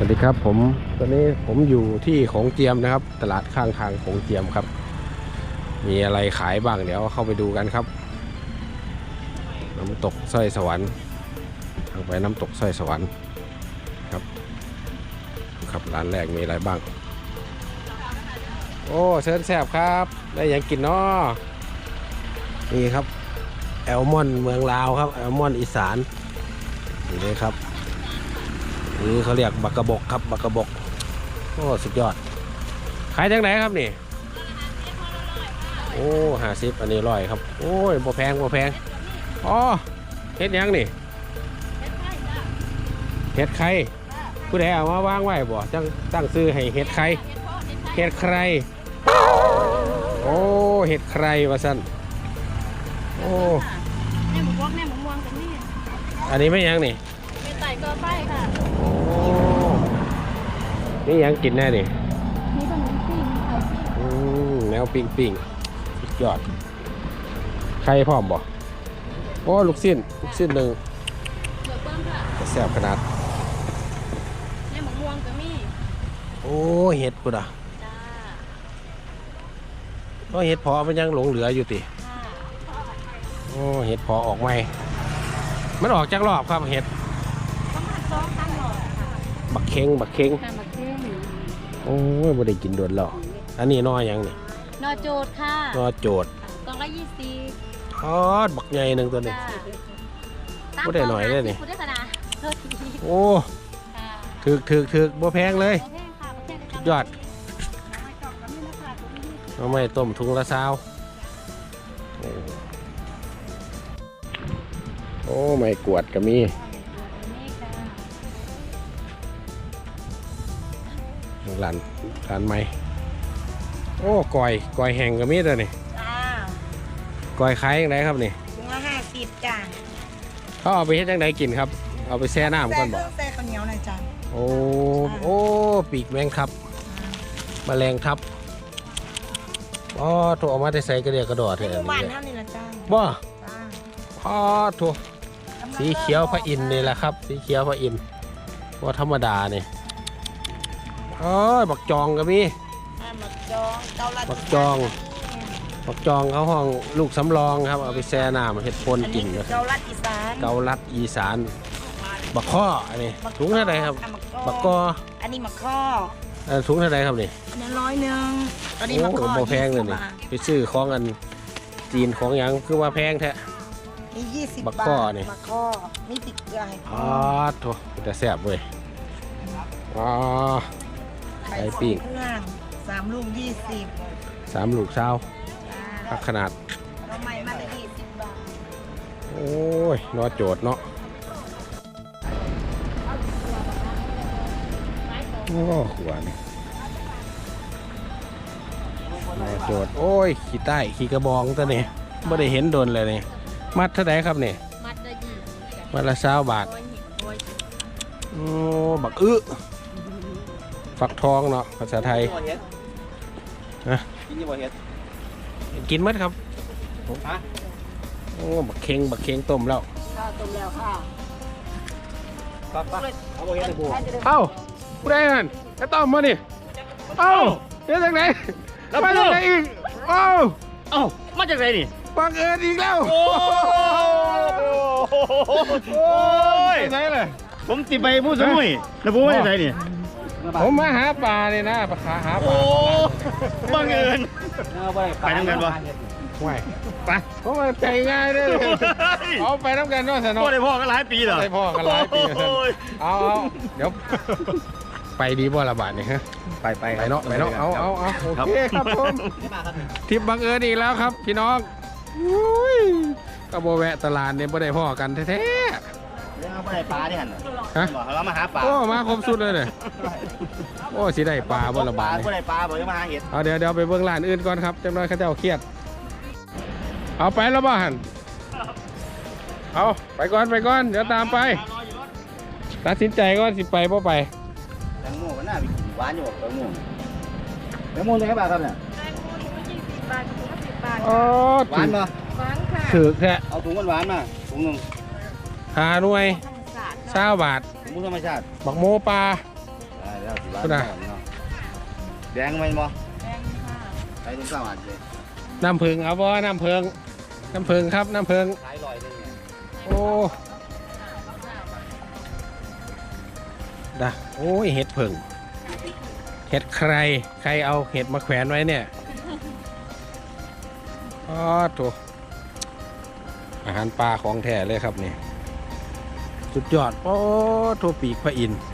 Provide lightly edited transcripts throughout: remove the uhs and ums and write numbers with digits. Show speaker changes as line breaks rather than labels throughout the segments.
ดีครับผมตอนนี้ผมอยู่ที่ของเจียมนะครับตลาดข้างทางของเจียมครับมีอะไรขายบ้างเดี๋ยวเข้าไปดูกันครับน้ำตกสร้อยสวรรค์ทางไปน้ำตกสร้อยสวรรค์ครับครับร้านแรกมีอะไรบ้างโอ้เชิญแซ่บครับได้ยังกินเนาะนี่ครับแอลมอนเมืองลาวครับแอลมอนอีสานนี่เลยครับนี่เขาเรียกบักกะบกครับบักกะบกโอ้สุดยอดขายจากไหนครับนี่โอ้50อันนี้100ครับโอ้ยบ่แพงบ่แพงอ๋อเฮ็ดยังนี่เฮ็ดไข่ผู้ใดเอามาวางไว้บ่จังตั้งซื้อให้เฮ็ดไข่เฮ็ดใครโอ้เฮ็ดใครวะสั้นโอ้
แม่หมูวอกแม่หมูม่วงกันนี่
อันนี้ไม่ยังนี่
เป็นไต่ก็ไปค่ะ
โอ้นี่ยังกินแน่ดิ
มีขนมปิ้งมีไข่ปิ้ง
แนวปิ้งสุดยอดใครพร้อมบ่โอ้ลูกชิ้นหนึ่ง
เดือดเบิ้มค่ะ
แซ่บขนาด
แม่หมูม่วงกันนี่
โอ้เห็ดกูด่ะ
จ้า
โอ้เห็ดพอมันยังหลงเหลืออยู่ติโอ้เห็ดพอออกไหมมันออกจากรอบครับเห็ด
ประมาณ2-3 หลอดค่ะ
บักเค็ง
ค่ะบักเข่ง
โอ้ยบ่ได้กินโดนหรอกอันนี้นอยังนี่
นอโจดค่ะ
นอโจด
กล่องละ20
อ๋อบักใหญ่หนึ่งตัวนี้บ่ได้หน่อยเลยนี่
พูดได้ขนาดโทษที
โอ้ถึกบ่แพงเลยสุดยอดเอาไม่ต้มถุงละ20โอ้ไม่กวดก็มีร้านไม้โอ้ก้อยแห้งก็มีตัวนี่ก้อยขายยังไงครับนี่
ถุงละ50จ้า
เขาเอาไปเฮ็ดยังไงกินครับเอาไปแช่น้ำก่อนบอก
แช่ข้าวเหนียวหน่อยจ้า
โอ้ปีกแมงครับแมลงทับอ๋อถูกเอามาได้ใส่กระเดียกระดอดเลย
บ้านเท่านี้ละจ้า
บ่อ๋อถูกสีเขียวพระอินทร์นี่แหละครับสีเขียวพระอินทร์ว่าธรรมดานี่อ๋อบักจองก็มี
บักจ
องเขาห้องลูกสำรองครับเอาไปแช่น้ำเห็ดปนกิน
เกาลัดอี
สานบักข้ออันนี้ถุงเท่าไรครับบักกอ
อันนี้บักข้อ
ถุงเท่าไรครับนี่
อันนี้100อันนี้บักข้อ
แพงเลยนี่ไปซื้อของอันจีนของยังคือว่าแพงแท้
นี่20 บาทบักข้อนี่ติดเกลือให้
อ๋อโถแต่แซ่บเว้ยอ๋อไข่ปิ้ง
3 ลูก20
3 ลูกเช้าขนาด
เราใหม่มาได้20 บาท
โอ้ยนอโจดเนาะโอ้ขวานนอโจดโอ้ยขี้ใต้ขี้กระบองตัวนี้ไม่ได้เห็นโดนเลยนี่มัดเท่าไหร่ครับนี่มัดละ20 บาทโอ้บักฟักทองเนาะภาษาไทยนะกินมั้ยครับโอ้บักเค็งต้มแล้ว
ค่ะ
เอ้าผู้ใดนั่นไอ้ต้อมมาดิเอ้าเดี๋ยวจากไหนมาจากไหนอีกเอ้า
มาจากไหนนี่
บังเอิญอีกแล้ว
โอ้ย
ไหนเลย
ผมติดไปผู้สมุยแล้วผมมาจากไหนนี่
ผมมาหาปลาเนี่ยนะปลาหาปลา
บังเอิญไปน้ำกันปะ
ไม่
ไป
ผมมาใจง่ายเลยเอาไปน้ำกันด้วยสนุก
ได้พ่อกันหลายปีเหรอ
ได้พ่อกันหลายปีเอาเดี๋ยวไปดีบ่ละบาทนี่ฮะไปเนาะเอาโอเคครับผมทริปบังเอิญอีกแล้วครับพี่น้องก็โบแวะตลาดเนี่ยไม่ได้พ่อกันแท้
เอาไปปลาดิฮะเรามาหาปลา
โอ้มาครบสุดเลยเนี่ยโอ้สิได้ปลาบ่ละบาท
บ่ได้ปลาบ่ได้มาหาเห็ด
เอาเดี๋ยวไปเบื้องร้านอื่นก่อนครับจังน้อยเขาจะเอาเครียดเอาไปแล้วบ้านเอาไปก่อนเดี๋ยวตามไปตัดสินใจก่อนสิไปบ่ไป
แตงโมมันน่ามีหวานอยู่แตงโมเลยครับครับเนี่ย
แตงโมถุงละ20 บาทถุงละ10 บาท
หวานป่ะ
หวานค่ะ
ถือแค่
เอาถุงหวานมาถุงนึง
หาหน่วย20 บาท
ถุงธรรมชาติ
บักโมปลา
แล้วสิบ้าน
ก็ได้
เนาะแดงไหมบ่
แดงค่ะ
ใช้ตุ้งสามอันเลย
น้ำผึ้งเอาบ่น้ำผึ้งครับน้ำผึ้ง
ขายลอยนึงเนี่ย
โอ้ดะโอ้ยเห็ดผึ้งเห็ดใครเอาเห็ดมาแขวนไว้เนี่ยอ๋อถูกอาหารปลาของแท้เลยครับนี่สุดยอดโอ้ถูกปีกพระอินทร์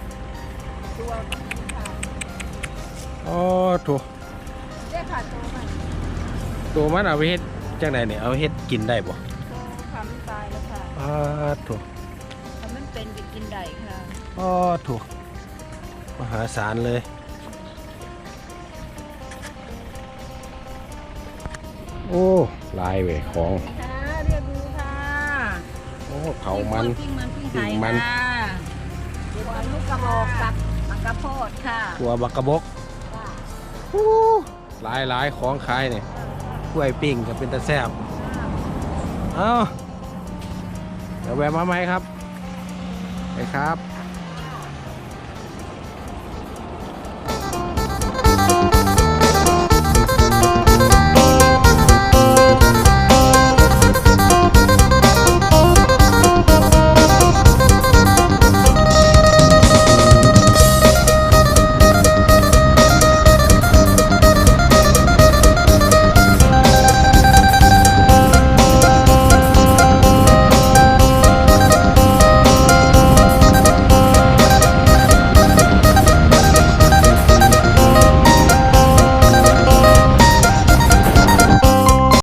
โอ้ถูก
ได้ค่ะโตมัน
ตัวมันเอาไปเฮ็ดจังไหนเนี่ยเอาเฮ็ดกินได้บ่
โตทำตายแล้วค่ะ
อ๋อถูก
ถ้ามันเป็นจะกินได้ค่ะ
อ๋อถูกมหาศาลเลยโอ้ลายเว้ยของ
ค่ะเรียกดูค่ะ
โอ้เผามัน
ปิ้งมันปิ้ง
ปิ้
ไก่
งมัน
ค่ะตัวลูกกระบอกกับมังกรโพดค่ะ
ตัวบักกะบกโอ้หลายของขายเนี่ยกล้วยปิ้งก็เป็นตะแซ่บเอ้าเดี๋ยวแวะมาไหมครับไปครับ